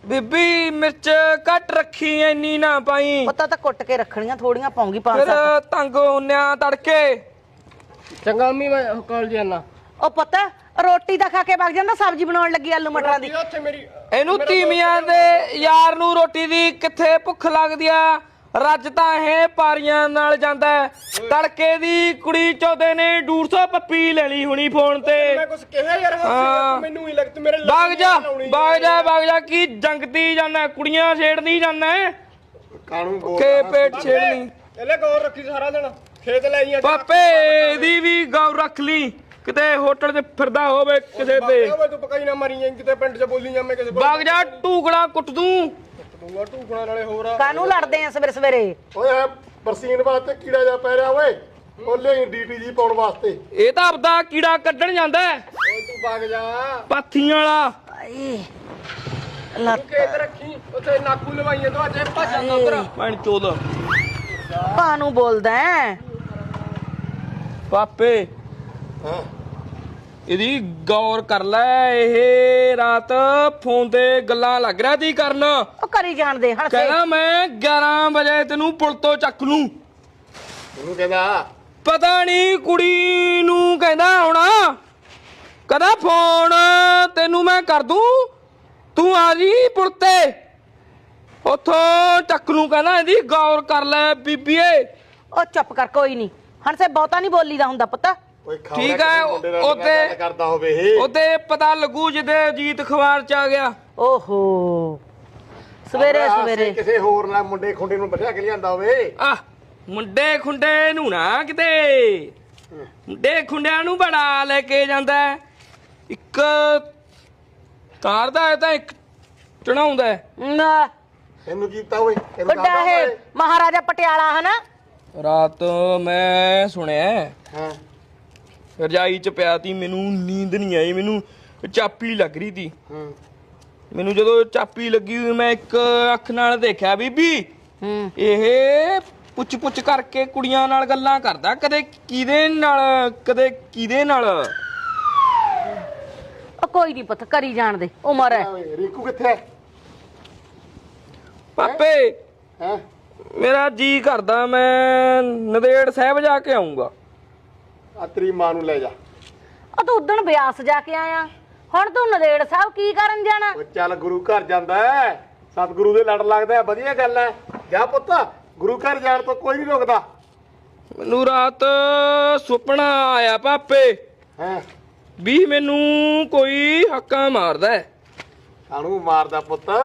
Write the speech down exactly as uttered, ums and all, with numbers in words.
ਬੀਬੀ ਮਿਰਚ ਘੱਟ ਰੱਖੀ ਇੰਨੀ ਨਾ ਪਾਈ ਪਤਾ ਤਾਂ ਕੁੱਟ ਕੇ ਰੱਖਣੀਆਂ ਥੋੜੀਆਂ ਪਾਉਂਗੀ ਪੰਜ ਫਿਰ ਸੱਤ ਤੰਗ ਹੁੰਨਿਆ ਤੜਕੇ ਚੰਗਾ ਮੰਮੀ ਮੈਂ ਕਾਲਜ ਜਾਣਾ। ਉਹ ਪਤਾ ਰੋਟੀ ਤਾਂ ਖਾ ਕੇ ਵਗ ਜਾਂਦਾ ਸਬਜ਼ੀ ਬਣਾਉਣ ਲੱਗੀ ਆਲੂ ਮਟਰਾਂ ਦੀ ਉੱਥੇ ਮੇਰੀ ਇਹਨੂੰ ਤੀਵੀਆਂ ਦੇ ਯਾਰ ਨੂੰ ਰੋਟੀ ਦੀ ਕਿੱਥੇ ਭੁੱਖ ਲੱਗਦੀ ਆ ਰੱਜ ਤਾਂ ਇਹ ਪਾਰੀਆਂ ਨਾਲ ਜਾਂਦਾ ਤੜਕੇ ਦੀ ਕੁੜੀ ਚੌਦੇ ਨੇ ਡੇਢ ਸੌ ਪੱਪੀ ਲੈ ਲਈ ਹੁਣੀ ਫੋਨ ਤੇ ਮੈਂ ਕੁਝ ਕਿਹਾ ਯਾਰ ਹਾਂ। ਮੈਨੂੰ ਹੀ ਲੱਗਦਾ ਮੇਰੇ ਬਾਗ ਜਾ ਬਾਗ ਜਾ ਬਾਗ ਜਾ ਕੀ ਜੰਗਤੀ ਜਾਂਦਾ ਕੁੜੀਆਂ ਛੇੜਦੀ ਜਾਂਦਾ ਕਾਣੂ ਬੋਲ ਕੇ ਪੇਟ ਛੇੜਨੀ ਇਹਲੇ ਗੌਰ ਰੱਖੀ ਸਾਰਾ ਦਿਨ ਖੇਤ ਲੈ ਆਈਆਂ ਪਾਪੇ ਦੀ ਵੀ ਗੌਰ ਰੱਖ ਲਈ ਕਿਤੇ ਹੋਟਲ 'ਚ ਫਿਰਦਾ ਹੋਵੇ ਕਿਸੇ ਤੇ ਓਏ ਤੂੰ ਪਕਾਈ ਨਾ ਮਾਰੀ ਜਾਂ ਕਿਤੇ ਪਿੰਡ 'ਚ ਬੋਲੀ ਜਾਂ ਮੈਂ ਕਿਸੇ ਬਾਗ ਜਾ ਟੂਕੜਾ ਕੁੱਟ ਦੂੰ ਦੂੰਗਾ ਢੂਕਣਾ ਨਾਲੇ ਹੋਰ ਆ ਕਾਹਨੂੰ ਲੜਦੇ ਆ ਸਵੇਰੇ ਸਵੇਰੇ ਓਏ ਬਰਸੀਨ ਵਾਸਤੇ ਕੀੜਾ ਜਾ ਪੈ ਰਿਹਾ ਓਏ ਉਹ ਲਈ ਡੀਟੀ ਜੀ ਪਾਉਣ ਵਾਸਤੇ ਇਹ ਤਾਂ ਆਪਦਾ ਕੀੜਾ ਕੱਢਣ ਜਾਂਦਾ ਓਏ ਤੂੰ ਵਗ ਜਾ ਪਾਥੀਆਂ ਵਾਲਾ ਆਏ ਤੂੰ ਲੱਤ ਖੇਤ ਰੱਖੀ ਉੱਥੇ ਨਾਕੂ ਲਵਾਈਆਂ ਤੋਂ ਅੱਜ ਭੱਜ ਜਾਂਦਾ ਉਧਰ ਭੈਣ ਚੋਦ ਕਾਹਨੂੰ ਬੋਲਦਾ ਹੈ? ਪਾਪੇ ਹਾਂ ਇਹਦੀ ਗੌਰ ਕਰ ਲੈ ਇਹ ਰਾਤ ਫੋਨ ਤੇ ਗੱਲਾਂ ਲੱਗ ਰਿਹਾ ਤੀ ਕਰਨ ਉਹ ਕਰੀ ਜਾਣਦੇ ਹਣ ਕਹਿੰਦਾ ਮੈਂ ਗਿਆਰਾਂ ਵਜੇ ਤੈਨੂੰ ਪੁਲ ਤੋਂ ਚੱਕ ਲੂੰ ਉਹਨੂੰ ਕਹਿੰਦਾ ਪਤਾ ਨਹੀਂ ਕੁੜੀ ਨੂੰ ਕਹਿੰਦਾ ਹੋਣਾ ਕਹਿੰਦਾ ਫੋਨ ਤੈਨੂੰ ਮੈਂ ਕਰ ਦੂੰ ਤੂੰ ਆ ਜੀ ਪੁਲ ਤੇ ਉੱਥੋਂ ਚੱਕ ਲੂੰ ਕਹਿੰਦਾ ਇਹਦੀ ਗੌਰ ਕਰ ਲੈ ਬੀਬੀਏ ਉਹ ਚੁੱਪ ਕਰ ਕੋਈ ਨਹੀਂ ਹਣ ਸੇ ਬਹੁਤਾ ਨਹੀਂ ਬੋਲੀਦਾ ਹੁੰਦਾ ਪੁੱਤ ਓਏ ਖਾ ਠੀਕ ਹੈ ਉਹਦੇ ਕਰਦਾ ਹੋਵੇ ਇਹ ਉਹਦੇ ਪਤਾ ਲੱਗੂ ਜਿਹਦੇ ਅਜੀਤ ਅਖਬਾਰ ਚ ਆ ਗਿਆ ਓਹੋ ਸਵੇਰੇ ਸਵੇਰੇ ਕਿਸੇ ਹੋਰ ਨਾਲ ਮੁੰਡੇ ਖੁੰਡੇ ਨੂੰ ਬਿਠਾ ਕੇ ਲਿਆਂਦਾ ਹੋਵੇ ਆ ਮੁੰਡੇ ਖੁੰਡੇ ਨੂੰ ਨਾ ਕਿਤੇ ਮੁੰਡੇ ਖੁੰਡਿਆਂ ਨੂੰ ਬੜਾ ਲੈ ਕੇ ਜਾਂਦਾ ਹੈ। ਇੱਕ ਤਾਰਦਾ ਹੈ ਤਾਂ ਇੱਕ ਚੜਾਉਂਦਾ ਹੈ। ਨਾ ਇਹਨੂੰ ਕੀਤਾ ਓਏ ਇਹਨੂੰ ਵੱਡਾ ਕਰਦਾ ਹੈ ਓਏ ਮਹਾਰਾਜਾ ਪਟਿਆਲਾ ਹਨਾ ਰਾਤ ਮੈਂ ਸੁਣਿਆ ਹਾਂ ਰਜਾਈ ਚ ਪਿਆ ਤੀ ਮੈਨੂੰ ਨੀਂਦ ਨਹੀਂ ਆਈ ਮੈਨੂੰ ਚਾਪੀ ਲੱਗ ਰਹੀ ਤੀ ਹਾਂ ਮੈਨੂੰ ਜਦੋਂ ਚਾਪੀ ਲੱਗੀ ਹੋਈ ਮੈਂ ਇੱਕ ਅੱਖ ਨਾਲ ਦੇਖਿਆ ਬੀਬੀ ਹੂੰ ਇਹ ਪੁੱਛ ਪੁੱਛ ਕਰਕੇ ਕੁੜੀਆਂ ਨਾਲ ਗੱਲਾਂ ਕਰਦਾ ਕਦੇ ਕਿਹਦੇ ਨਾਲ ਕਦੇ ਕਿਹਦੇ ਨਾਲ ਉਹ ਕੋਈ ਨਹੀਂ ਪੁੱਤ ਕਰੀ ਜਾਣਦੇ ਉਮਰ ਹੈ ਓਏ ਰੀਕੂ ਕਿੱਥੇ ਹੈ ਪਾਪੇ ਹੈ ਮੇਰਾ ਜੀ ਕਰਦਾ ਮੈਂ ਨੰਦੇੜ ਸਾਹਿਬ ਜਾ ਕੇ ਆਉਂਗਾ ਆ ਤੇਰੀ ਮਾਂ ਨੂੰ ਲੈ ਜਾ ਉਹ ਤੂੰ ਉਦਣ ਬਿਆਸ ਜਾ ਕੇ ਆਇਆ ਹੁਣ ਤੂੰ ਨਦੇੜ ਸਾਹਿਬ ਕੀ ਕਰਨ ਜਾਣਾ ਓ ਚੱਲ ਗੁਰੂ ਘਰ ਜਾਂਦਾ ਹੈ ਸਤਿਗੁਰੂ ਦੇ ਲੜ ਲੱਗਦਾ ਹੈ ਵਧੀਆ ਗੱਲ ਹੈ ਜਾ ਪੁੱਤ ਗੁਰੂ ਘਰ ਜਾਣ ਤੋਂ ਕੋਈ ਨਹੀਂ ਰੋਕਦਾ ਮੈਨੂੰ ਰਾਤ ਸੁਪਨਾ ਆਇਆ ਪਾਪੇ ਹੈ ਵੀ ਮੈਨੂੰ ਕੋਈ ਹੱਕਾ ਮਾਰਦਾ ਹੈ। ਕਾਹਨੂੰ ਮਾਰਦਾ ਪੁੱਤ